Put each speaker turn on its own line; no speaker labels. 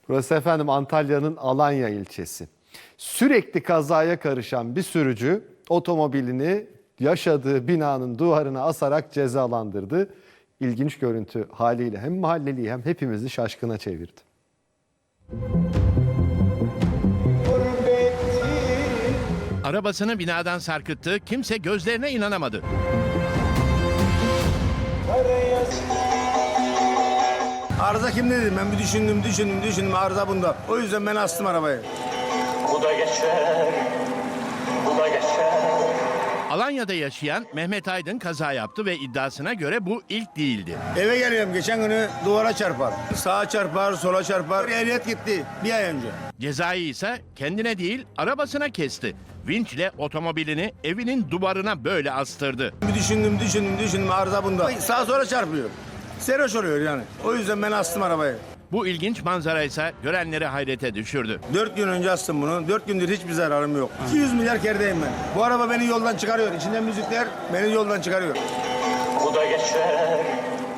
Burası efendim Antalya'nın Alanya ilçesi. Sürekli kazaya karışan bir sürücü otomobilini yaşadığı binanın duvarına asarak cezalandırdı. İlginç görüntü haliyle hem mahalleliyi hem hepimizi şaşkına çevirdi.
Arabasını binadan sarkıttı, kimse gözlerine inanamadı.
Arıza kimde dedim, ben bir düşündüm, arıza bunda. O yüzden ben astım arabayı.
Bu da geçer, bu da geçer.
Alanya'da yaşayan Mehmet Aydın kaza yaptı ve iddiasına göre bu ilk değildi.
Eve geliyorum, geçen günü duvara çarpar. Sağa çarpar, sola çarpar. Ehliyet gitti bir ay önce.
Cezayı ise kendine değil arabasına kesti. Vinçle otomobilini evinin duvarına böyle astırdı.
Bir düşündüm, arıza bunda. Sağa sola çarpıyor. Seroş oluyor yani. O yüzden ben astım arabayı.
Bu ilginç manzara ise görenleri hayrete düşürdü.
4 gün önce astım bunu. 4 gündür hiçbir zararım yok. 200 milyar kerdeyim ben. Bu araba beni yoldan çıkarıyor. İçinden müzikler beni yoldan çıkarıyor.
Bu da geçer,